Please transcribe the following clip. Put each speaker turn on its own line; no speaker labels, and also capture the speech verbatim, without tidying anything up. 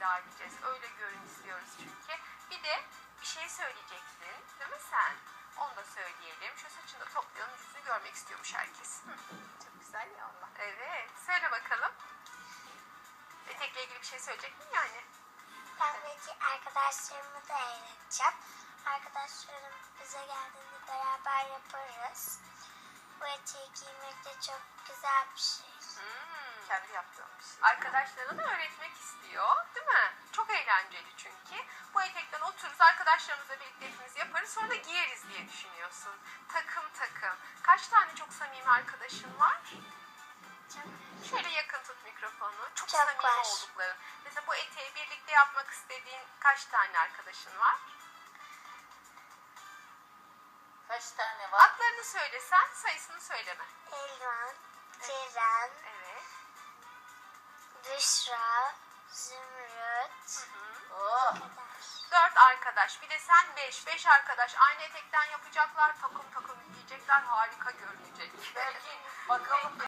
edeceğiz. Öyle görün istiyoruz çünkü. Bir de bir şey söyleyeceksin değil mi sen? Onu da söyleyelim. Şu saçını da toplayalım. Yüzünü görmek istiyormuş herkes. Hı.
Çok güzel ya Allah.
Evet. Söyle bakalım. Etekle ilgili bir şey söyleyecek mi yani?
Ben belki arkadaşlarımı da eğleneceğim. Arkadaşlarım bize geldiğinde beraber yaparız. Bu eteği giymek de çok güzel bir şey.
Hmm.
Kendi yaptığım bir şey.
Arkadaşlarına da öğretmek istiyor, değil mi? Çok eğlenceli çünkü. Bu etekten otururuz, arkadaşlarımızla birlikte hepimiz yaparız, sonra da giyeriz diye düşünüyorsun. Takım takım. Kaç tane çok samimi arkadaşın var? Şöyle yakın tut mikrofonu. Çok,
Çok
samimi
var.
oldukların. Mesela bu eteği birlikte yapmak istediğin kaç tane arkadaşın var?
Kaç tane var?
Adlarını söylesen, sayısını söyleme.
Elvan, Ceren,
Evet.
Büşra, Zümrüt.
Oh.
kadar.
Dört arkadaş. Bir de sen beş. Beş arkadaş. Aynı etekten yapacaklar. Takım takım giyecekler. Harika görünecek.
Belki bakalım